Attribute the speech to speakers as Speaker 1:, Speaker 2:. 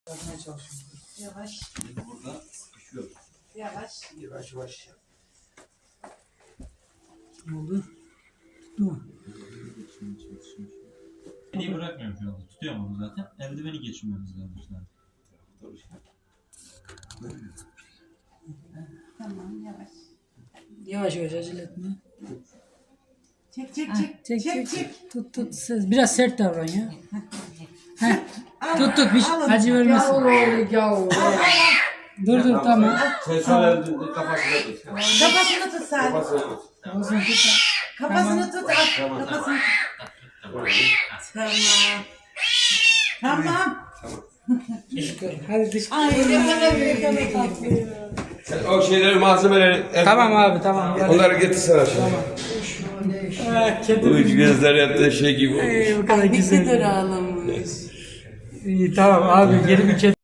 Speaker 1: Yapmaya çalışıyorum.
Speaker 2: Yavaş.
Speaker 3: Burada sıkışıyor.
Speaker 2: Yavaş.
Speaker 1: Yavaş yavaş. Ne oldu? Tuttu mu?
Speaker 3: Beni bırakmıyorum şu anda. Tutuyorum onu zaten. Eldiveni geçirmemiz lazım.
Speaker 2: Tamam yavaş.
Speaker 1: Yavaş yavaş acele etme.
Speaker 2: Çek çek
Speaker 1: Ha,
Speaker 2: çek.
Speaker 1: çek. Tut. Biraz sert davran ya. Heh. Tut. Bir
Speaker 2: alın.
Speaker 1: acı vermesin. Dur tamam.
Speaker 4: Sen şöyle kafasına tut.
Speaker 2: Kafasını tut Salih.
Speaker 4: Kafasına tut.
Speaker 1: Kafasını tut.
Speaker 2: Kafasını tut. Al.
Speaker 4: Tamam.
Speaker 2: Kafasını tut. Tamam.
Speaker 1: Hadi dış.
Speaker 2: Ay ne kadar büyük ama tatlı.
Speaker 4: Sen o şeyleri, malzemeleri...
Speaker 1: Tamam abi tamam.
Speaker 4: Onları getirsene şimdi.
Speaker 1: Kedi.
Speaker 4: Uç gözler yaptığı şey gibi olmuş.
Speaker 1: Bu kadar
Speaker 2: Ne
Speaker 1: güzel.
Speaker 2: kadar ağlamış.
Speaker 1: İyi tamam abi geri bir kedi.